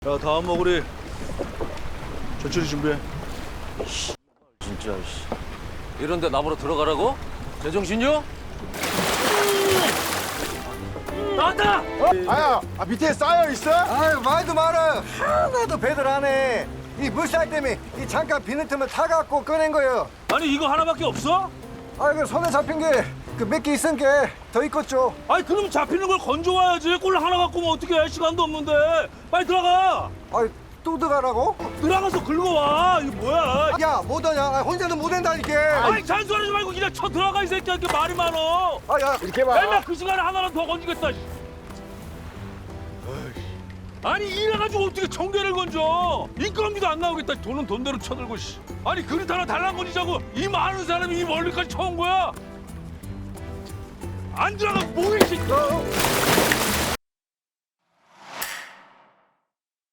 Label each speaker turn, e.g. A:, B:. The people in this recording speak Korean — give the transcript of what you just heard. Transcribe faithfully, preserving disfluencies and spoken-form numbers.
A: 야, 다음 먹으리 천천히 준비해.
B: 진짜 씨. 이런데 나보러 들어가라고? 제정신이요? 나왔다!
C: 아야, 아, 밑에 쌓여 있어?
D: 아유 말도 말아요. 하나도 배들 안 해. 이 물살 때문에 이 잠깐 비는 틈을 타갖고 꺼낸 거예요.
A: 아니 이거 하나밖에 없어?
D: 아이 그 손에 잡힌 게 그 몇 개 있은 게 더 있겠죠.
A: 아니 그럼 잡히는 걸 건져와야지. 꼴 하나 갖고 면 어떻게 해? 시간도 없는데. 빨리 들어가.
D: 아이 또 들어가라고?
A: 들어가서 긁어와. 이거 뭐야?
D: 야 못하냐? 아, 혼자는 못 한다니까.
A: 아니 잔소리하지 말고 그냥 쳐 들어가 이 새끼야. 이렇게 말이 많어.
D: 아야
C: 이렇게 봐.
A: 맨날 그 시간에 하나라도 더 건지겠다. 씨. 아니 이래가지고 어떻게 청계를 건져? 인건비도 안 나오겠다. 돈은 돈대로 쳐들고 씨. 아니 그릇 하나 달랑 건지자고 이 많은 사람이 이 멀리까지 쳐온 거야? 안 들어가 뭐해 이 새끼.
D: 어?